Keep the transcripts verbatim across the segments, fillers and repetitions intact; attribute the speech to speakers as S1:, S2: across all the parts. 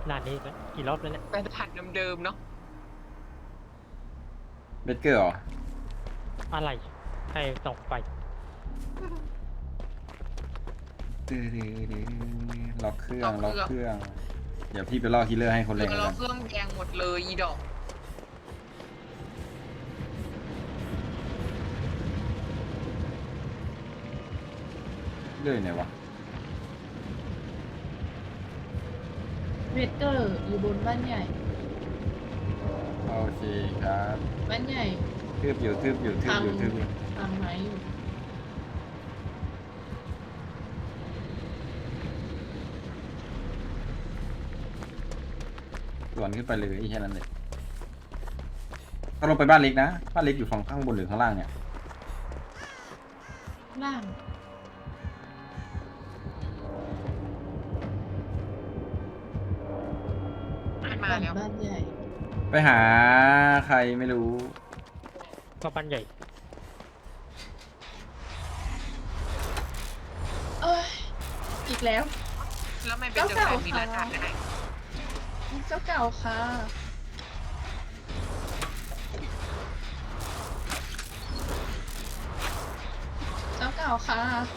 S1: ด่านนี้กี่รอบแล้วเนี่ย
S2: เป็นถัดเดิมๆเนาะ
S3: เบเกอร์เหรอ
S1: อะไรใครส่งไป
S3: ตื้อล็อกเครื่องล็อกเครื่องเดี๋ยวพี่ไปล่อคิลเลอร์ให้คน
S2: คื
S3: เล่
S2: อน เรา
S3: กัน
S2: เครื่องแดงหมดเลยอีดอก
S3: เลื่อยไหนวะ
S4: เวทเกอร์อยู่บนบ้านใหญ่
S3: โอเคครับ
S4: บ้านใหญ่
S3: ทืบอยู่ทืบอยู่ทืบอยู่ทืบอยู่
S4: ทางไม้อยู่
S3: สวนขึ้นไปเลยแค่นั้นเลยก็ลงไปบ้านเล็กนะบ้านเล็กอยู่ฝั่งข้างบนหรือข้างล่างเนี่ย
S4: ล่าง
S2: มา
S4: บ้าน
S2: แล้ว
S4: บ้านใหญ่
S3: ไปหาใครไม่รู้
S1: ก็บ้านใหญ่
S4: เอ้ยอีกแล้ว
S2: แล้วไม่เป็นเจ้าของมีราคาได้
S4: เจ้าเก่าค่ะเจ้าเก่าค่ะ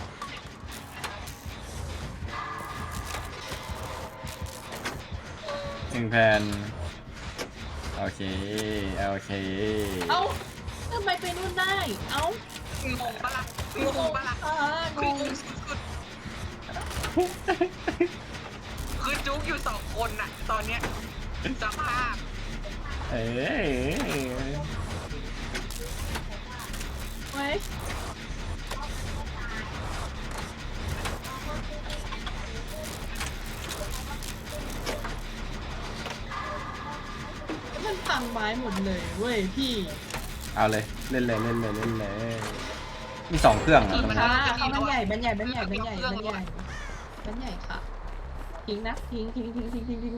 S3: หนึ่งแผ่นโอเคโอเค
S4: เอ้าทำไมไปนู่นได้ เอ้าง
S2: งปะล่ะงงปะล่ะ
S4: อ่าง
S2: คือง งสุดๆคือจุกอยู่สองคนน่ะ ตอนเนี้ยสภาพ
S3: เอ้ย
S4: เว้ยมันพังไม้หมดเลยเว้ยพี่
S3: เอาเลยเล่นเลยเล่นเลยเล่นเลยมีสองเครื่องอะตรงนี้
S4: ค่ะเขาบ้านใหญ่บ้านใหญ่บ้านใหญ่บ้านใหญ่บ้านใหญ่บ้านใหญ่ค่ะทิ้งนะทิ้งทิ้งทิ้งทิ้งทิ้งทิ้ง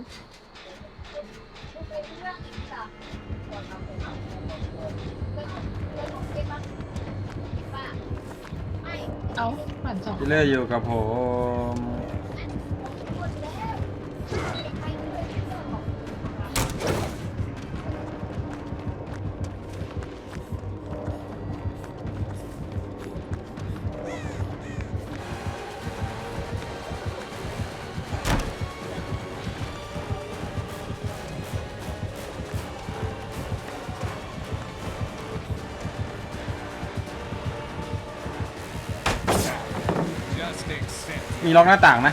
S4: เอาปั่นสอง
S3: คิลเลอร์อยู่กับผม มีล็อกหน้าต่างนะ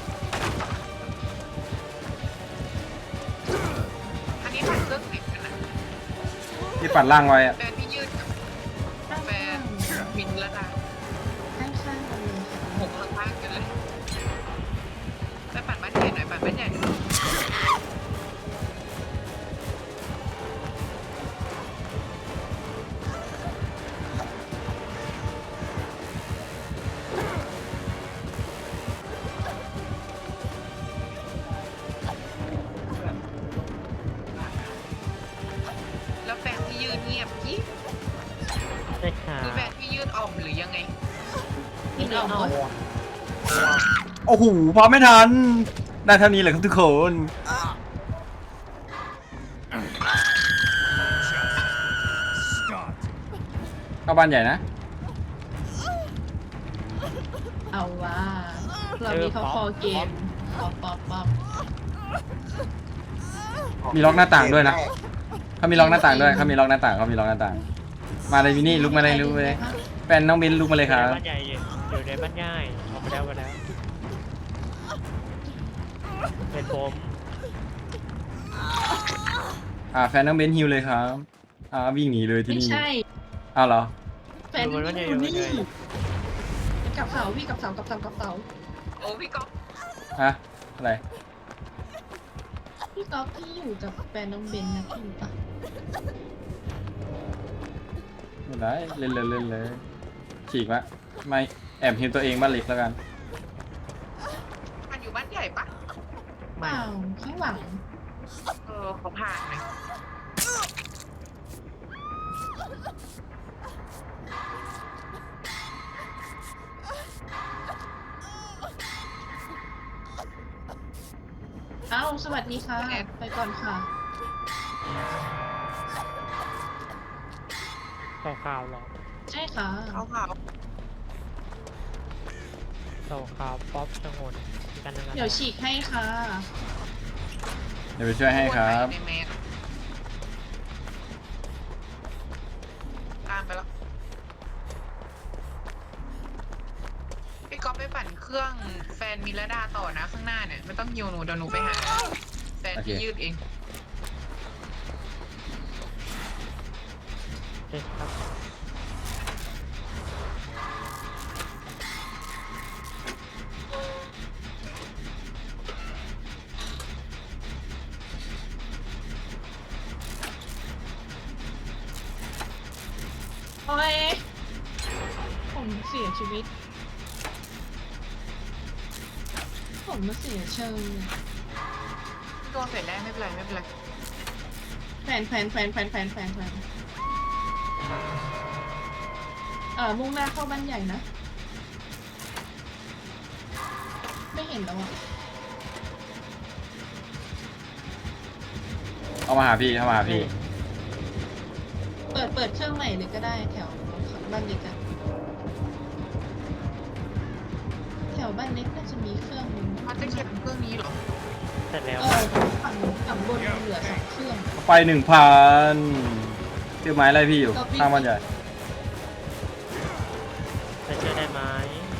S2: อันนี้ผ่านเครื่องติดกันนะ
S3: ที่ปัดล่างไว้อะ
S2: แฟนพี่ยืดกับแฟนมินละนะ
S4: ข้างข้างกันเลยค่ะ
S2: หกข้างๆกันเลยไปปั่นบ้านใหญ่หน่อยปั่นบ้านใหญ่หน่อยแล้วแฟนพี่ยืดเงียบกิ๊บ
S1: ได้ค่ะ
S2: คือแฟนพี่ยืดอ่อมหรือยังไง
S4: กินเอาหมด
S3: โอ้โหพอไม่ทันได้เท่านี้เลยครับทุกคนเข้าบ้านใหญ่นะ
S4: เอาว่าเรามีเขาคอเกมป๊อปป๊อปป๊อป
S3: มีล็อกหน้าต่างด้วยนะเขามีล็อกหน้าต่างด้วยเขามีล็อกหน้าต่างเขามีล็อกหน้าต่าง มาเลยมินี่ลุกมาเลยลุกมาเลยแฟนน้องบินลุกมาเลยครับ
S1: บ้านใหญ่อยู่อยู่ในบ้านใหญ่ออกไปแล้วไปแล้วเป็นผม
S3: อ่าแฟนน้องเบนฮิวเลยครับอ่าวิ่งหนีเลยที่
S4: ไม่
S3: นี่
S4: ใช่
S3: อ้าวเหรอ
S4: แฟนนี่อยู่นี่กับเสาพี่กับเสากับเสากับเสา
S2: โอ้พี่ก๊อฟ
S3: ฮะอะไร
S4: พี่ก๊อฟพี่อยู่กับแฟนน้องเบนนะพี่ปะ
S3: ไม่ได้เล่นเลยเล่นเลยฉีกวะไม่แอบฮิวตัวเองบ้านเล็กแล้วกัน
S2: มันอยู่บ้านใหญ่ปะ
S4: เปล่าข้างหลัง
S2: เออเขาผ่านไหม
S4: เอ้าาวสวัสดีค่ะ ไปก่อนค่ะ
S1: เต่าขาวเหรอ
S4: ใช่ค่ะ
S2: เขาเผา
S1: เต่าขาวป๊อปชงนกันทั้งนั้น
S4: เดี๋ยวฉีกให้ค่ะ
S3: เดี๋ยวไปช่วยให้ครับ
S2: ในแมสตามไปแล้วพี่ก๊อฟไปปั่นเครื่องแฟนมิลดาต่อนะข้างหน้าเนี่ยไม่ต้องยิวหนูเดี๋ยวหนูไปหาแฟนพี่ยืดเอง
S1: โอเคครับ
S4: โอ้ย ผมเสียชีวิต ผมมาเสียเชิง
S2: โดนเสร็จแล้วไม่เป็นไรไม่เป็นไร
S4: แฟนแฟนแฟนแฟนแฟนแฟนแฟนเอ่อมุ่งหน้าเข้าบ้านใหญ่นะ ไม่เห็นแล้วอ่ะ
S3: เอามาหาพี่เข้ามาหาพี่
S4: เปิดเปิดเครื่องใหม่เลยก็ได้แถวบ้านเล็กอะแถวบ้านเล็กน่าจะมีเครื่องนึง
S2: เขาจะเก็บเครื่องนี้เหรอ
S1: เสร็จแล้ว
S4: เออฝั่งฝั่งบนเหลือสองเครื่อง
S3: ไปหนึ่งพันเจอไม้อะไรพี่อยู่ข้างบ้านใหญ่
S1: จะช่วยได้ไหม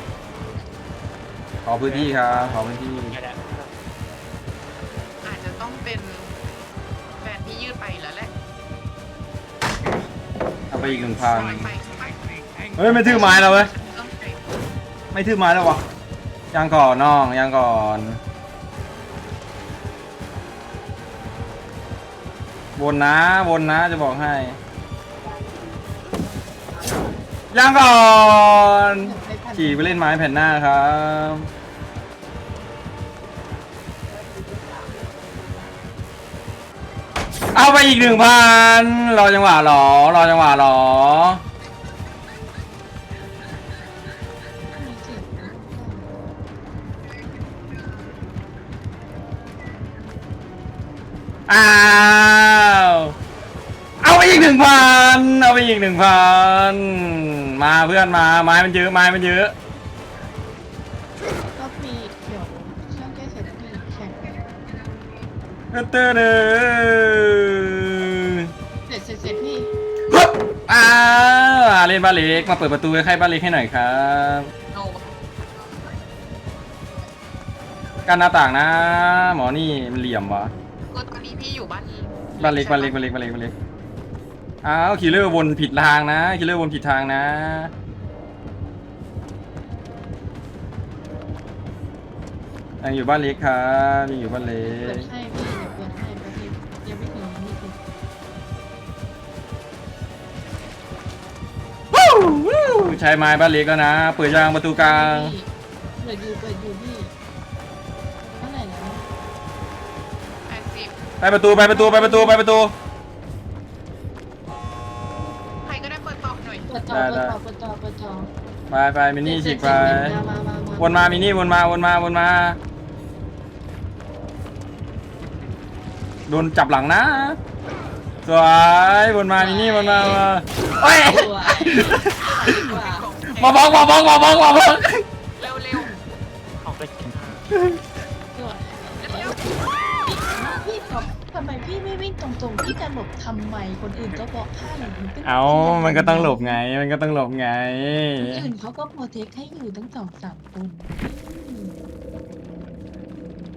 S3: ขอพื้นที่ครับขอพื้นที่
S1: ไม่ได้
S2: อาจจะต้องเป็นแฟนพี่ยืดไปแล้วแหละ
S3: เอาไปอีกหนึ่งพัน
S2: ไปไปไป
S3: เฮ้ยไม่ถือไม้แล้วเว้ย
S2: ต้องไป
S3: ไม่ถือไม้แล้ววะยังก่อนน้องยังก่อนวนนะวนนะจะบอกให้ยังก่อนขี่ไปเล่นไม้แผ่นหน้าครับเอาไปอีกหนึ่งพันรอจังหวะหรอรอจังหวะหรอ
S4: มีเสียงนะ
S3: อ้าวเอาไปอีกหนึ่งพันเอาไปอีกหนึ่งพันมาเพื่อนมาไม้มันเยอะไม้มันเยอะ
S4: ก็มีเดี๋ยวช่างแก้เสร็จมีแข่งกัน
S3: เตอร์เด้อ
S4: เสร็จเสร็จเสร็จพี่
S3: ฮึบอ้าวเล่นบ้านเล็กมาเปิดประตูให้ใครบ้านเล็กให้หน่อยครับ
S2: โน
S3: กันหน้าต่างนะหมอนี่มันเหลี่ยมวะ
S2: ก็ตอนนี้พี่อยู่บ้าน
S3: บ้านเล็กบ้านเล็กบ้านเล็กบ้านเล็กบ้านเล็กอ้าวคิลเลอร์วนผิดทางนะคิลเลอร์วนผิดทางนะยังอยู่บ้านเล็กครับยังอยู่บ้านเล็
S4: เปิด
S3: ก
S4: ให้พี่เดี๋ยวเปิดให้แป๊บนึงยังไม่ถึงยังไม่ถึง
S3: วู้วู้ใช้ไม้บ้านเล็กก็นะ เปิดยางประตูกลาง
S4: พี่เปิดอยู่เปิดอยู่พี่เท่าไหร่แล้ว
S2: แปดสิบ
S3: ไปประตูไปประตูไปประตูไปประตู
S2: ใครก็ได้เปิดต่อหน่อย
S4: เปิดจอ
S3: ได้
S4: เปิดจอเปิดจอเปิดจอ
S3: ไปไปมินี่ฉีกไป
S4: มามามา
S3: วนมามินี่วนมาวนมาวนมาโดนจับหลังนะสวยวนมามินี่วนมามาโอ้ย
S4: สวยว่า
S3: มาบอกมาบอกมาบอกมาบอก
S2: เร็วเร็ว
S1: ออกไปช้า
S4: สวยพี่ท็อปทำไมพี่ไม่วิ่งตรงๆพี่จะหลบทำไมคนอื่นก็บอกให้
S3: เอามันก็ต้องหลบไงมันก็ต้องหลบไง
S4: คนอื่นเขาก็โปรเทคให้อยู่ตั้งสองสามคน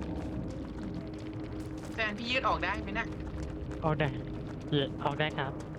S2: แฟนพี่ยืดออกได้ไหมน่ะ
S1: เอาได้ออกได้ครับ